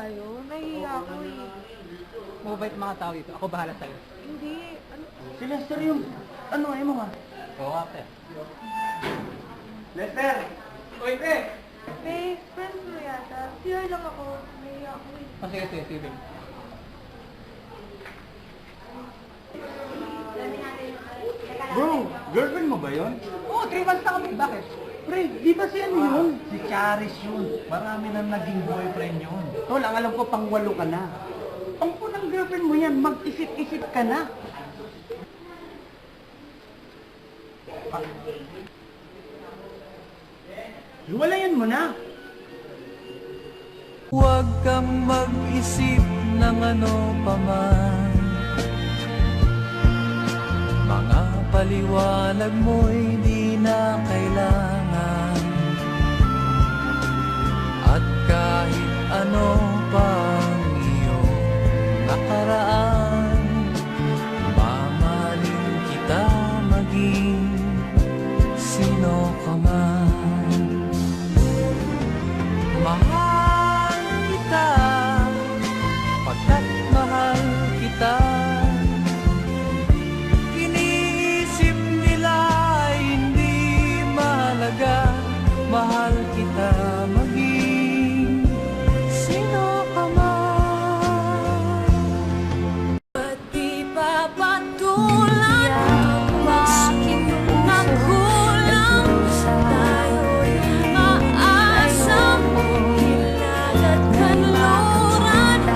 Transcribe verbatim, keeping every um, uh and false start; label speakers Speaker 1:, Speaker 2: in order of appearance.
Speaker 1: tayo? Nahihiya ako eh.
Speaker 2: Mabait mga tao dito. Ako bahala sa'yo.
Speaker 1: Hindi. Ano?
Speaker 3: Si Lester yung... Ano, ayaw mo nga?
Speaker 2: Oo nga, te.
Speaker 3: Lester! Oy, te!
Speaker 1: Babe, friends mo yata. C R lang ako. Nahihiya ako eh.
Speaker 2: Oh, sige, sige, sige.
Speaker 3: Bro, girlfriend mo ba yun?
Speaker 2: Oo, oh, three months na kami. Bakit?
Speaker 3: Pre, di ba si ano yun?
Speaker 4: Si Charis yun. Marami nang naging boyfriend yun.
Speaker 3: Tol, ang alam ko pang walo ka na. Ang punang girlfriend mo yan, mag-isip-isip ka na. Ah. Hiwalayan mo na.
Speaker 5: Huwag kang mag-isip ng ano paman. Mga paliwanag mo'y di na kailangan.